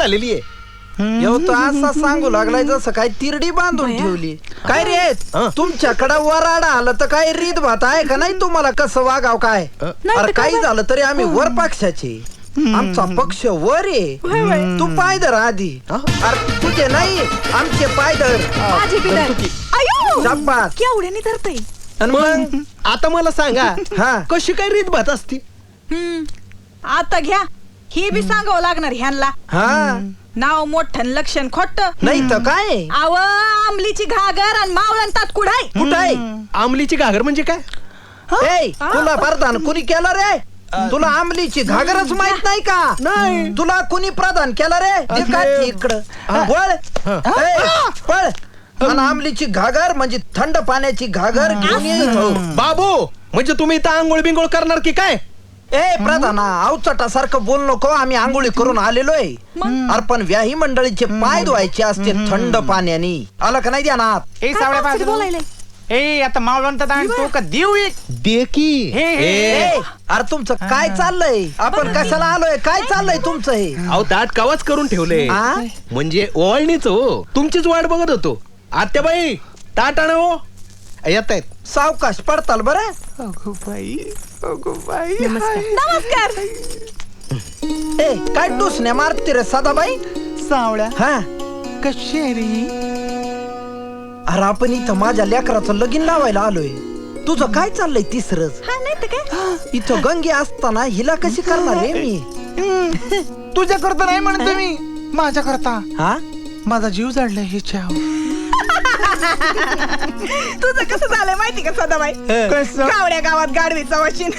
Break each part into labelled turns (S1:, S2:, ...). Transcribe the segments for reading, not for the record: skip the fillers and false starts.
S1: झालेली आहे.
S2: तो असा सांगू लागलाय जसं काय तिरडी बांधून ठेवली. काय रे तुमच्याकडे वराडा आलं तर काय रीत भात आहे का नाही तुम्हाला? कसं वागाव काय? अरे काही झालं तरी आम्ही वर पक्षाचे, आमचा पक्ष वर आहे. तू पाय धर आधी. अरे तुझे नाही आमचे पाय धर.
S3: केवढ्याने धरतय?
S1: मग आता मला सांगा
S2: हा
S1: कशी काय रीत भात असती?
S3: आता घ्या, हे बी सांगावं लागणार ह्यांना.
S2: हा
S3: नाव मोठं लक्षण खोट
S2: नाही तर काय?
S3: आव आमलीची घागर आणि मावळण तात कुठाय?
S2: कुठाय?
S1: आमलीची घागर म्हणजे काय?
S2: ए तुला प्रधान कुणी केलं रे? तुला आमलीची घागरच माहित नाही का?
S1: नाही.
S2: तुला कुणी प्रदान केलं रे? ते काय इकडं वळ. पळ. आणि आमलीची घागर म्हणजे थंड पाण्याची घागर घेऊन ये.
S1: बाबू म्हणजे तुम्ही इथं आंघोळ बिंगोळ करणार की काय?
S2: ए प्रधाना अवचटासारखं बोल नको. आम्ही आंघोळी करून आलेलोय. अरे पण व्याही मंडळीचे पाय धुवायचे असते थंड पाण्याने. आलं का नाही ध्यानात?
S4: ए सावळ्या बाजू
S3: बोलायला
S4: ए आता मावळंत तो का देऊ एक
S1: दे की.
S2: अरे तुमचं काय चाललंय? आपण कशाला आलोय? काय चाललंय तुमचं हे?
S1: अहो ताट कवाच करून ठेवले
S2: आ?
S1: म्हणजे ओवाळणीच हो. तुमचीच वाट बघत होतो. आत्याबाई ताट आण हो. येत आहेत.
S2: सावकाश पडताल बरं.
S3: नमस्कार.
S2: ए काय डुसण्या मारते रे सदाबाई?
S4: सावळ्या
S2: हा
S4: कशेरी
S2: अरे आपण इथं माझ्या लेकराचं लगीन लावायला आलोय. तुझं काय चाललंय तिसरच?
S3: हा नाही तर काय?
S2: इथं गंगे असताना हिला कशी करणार रे मी?
S4: तुझ्या करता नाही म्हणतो मी, माझ्या करता.
S2: हा
S4: माझा जीव जाडलाय हिच्या.
S3: तुझं कसं झालंय माहिती का सदाबाई? कावड्या गावात गाडवीचा वशीन.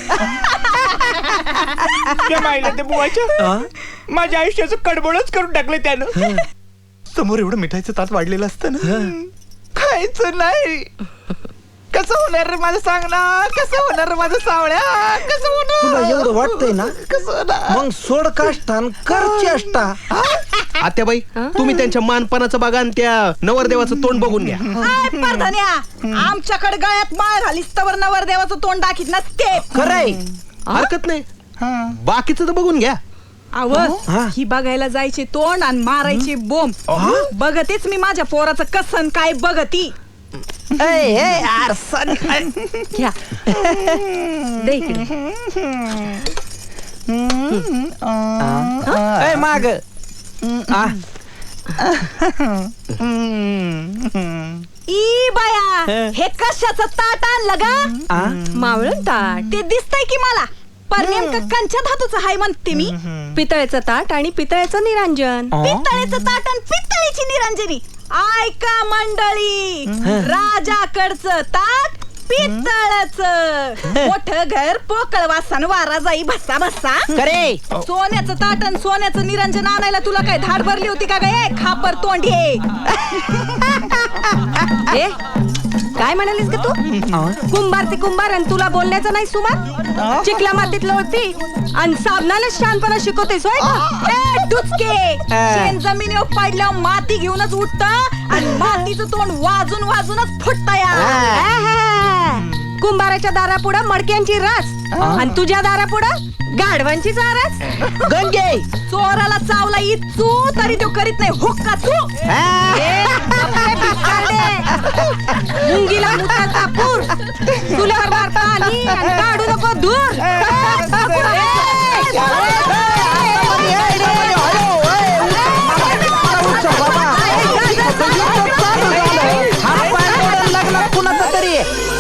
S4: ते बुवाच्या माझ्या आयुष्याचं कडबडच करून टाकलं त्यानं. समोर एवढं मिठाईचं ताट वाढलेलं असतं ना, खायचं नाही. कसं होणार रे माझं सांग ना? कसं होणार रे माझं सावळ्या? कसं होणार?
S2: तुला एवढं वाटतंय ना?
S4: कसं होणार?
S2: मग सोड काष्टान कर चेष्टा.
S1: आत्याबाई तुम्ही त्यांच्या मानपणाचं बघा आणि त्या नवरदेवाचं तोंड बघून घ्या.
S3: आय परधन्या, आमच्याकडे गळ्यात माळ घालीस तवर नवरदेवाचं तोंड दाखीत नसते.
S2: खरंय.
S1: हरकत नाही, बाकीचं तर बघून घ्या.
S3: आव ही बघायला जायचे तोंड आणि मारायचे बोंब. बघतेच मी माझ्या पोराचं कसन काय बघती.
S5: घ्या दे इकडे.
S2: माग
S3: ई बाया, हे कशाचं ताट आणलं गा?
S5: मावळण ताट.
S3: ते दिसतंय की मला, पण नेमकं कंच्या धातूचं हाय म्हणते मी.
S5: पितळेचं ताट आणि पितळेचं निरांजन.
S3: पितळेचं ताट आणि पितळीची निरंजनी. ऐका मंडळी, राजाकडचं ताट पितळचं. मोठं घर पोकळ वासान वारा जाई भस्सा भस्सा.
S2: करे
S3: सोन्याचं ताट आणि सोन्याचं निरंजन आणायला तुला काय धाड भरली होती का गे खापर तोंडी?
S5: ए काय म्हणालीस का तू? कुंभार ते कुंभार आणि तुला बोलण्याचं नाही सुमार? चिकला मातीत लोळती आणि साबणाला शानपणा शिकवतेस होय का?
S3: ए डुचके, शेण जमिनीवर पडल्यावर माती घेऊनच उठत आणि मातीचं तोंड वाजून वाजूनच फुटत.
S5: कुंभाराच्या दारापुढं मडक्यांची रास आणि तुझ्या दारापुढं गाढवांची चारास.
S2: गंगे
S3: चोराला चावला इचू तरी तो करीत नाही हुक्का चू.
S5: मुंगीला मुताचा पूर, चुल्यावर मारता आणि काढू नको दूर.
S2: कुणाचं तरी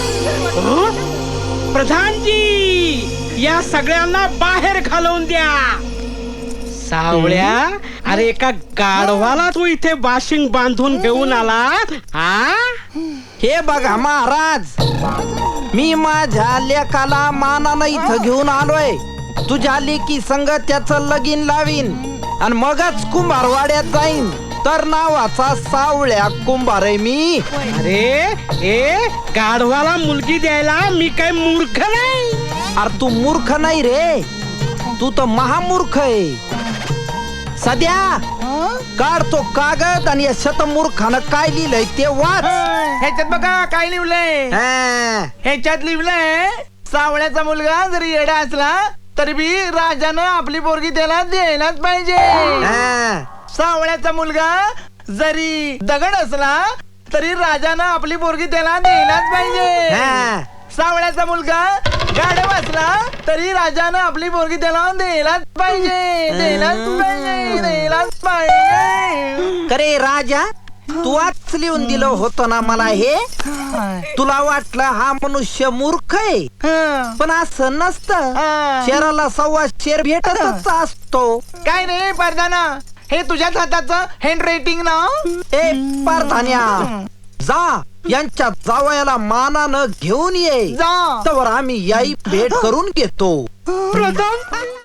S6: प्रधानजी या सगळ्यांना बाहेर घालवून द्या. सावळ्या, अरे एका गाढवाला तू इथे बाशिंग बांधून घेऊन आला. हा
S2: हे बघा महाराज, मी माझ्या लेकाला मानानं इथं घेऊन आलोय. तुझ्या लेकी संग त्याचं लगीन लावीन आणि मगच कुंभारवाड्यात जाईन. तर नावाचा सावळ्या कुंभार आहे मी.
S6: अरे ए गाढवाला मुलगी द्यायला मी काय मूर्ख नाही.
S2: अरे तू मूर्ख नाही रे, तू तर महामूर्ख आहे. सध्या काढ तो कागद आणि या शतमूर्खानं काय लिहिलंय ते वाच.
S4: ह्याच्यात बघा काय लिहिलंय. ह्याच्यात लिहिलंय, सावळ्याचा मुलगा जरी येडा असला तरी बी राजानं आपली पोरगी त्याला द्यायलाच पाहिजे. सावळ्याचा मुलगा जरी दगड असला तरी राजानं आपली पोरगी त्याला द्यायलाच पाहिजे.
S2: हा.
S4: सावळ्याचा मुलगा गाढव असला तरी राजानं आपली पोरगी त्याला द्यायलाच पाहिजे. द्यायलाच पाहिजे.
S2: अरे राजा, तू आज लिहून दिलं होतं ना मला हे. तुला वाटलं हा मनुष्य मूर्ख आहे,
S4: हं.
S2: पण असं नसतं. शेराला सव्वा शेर भेटतच असतो.
S4: काय नाही परदाना, हे तुझ्याच हाताचं हँड रायटिंग ना.
S2: ए परधान्या, जा यांच्या जावयाला मानानं घेऊन ये.
S4: जा.
S2: तर आम्ही याई भेट करून घेतो.
S4: प्रधान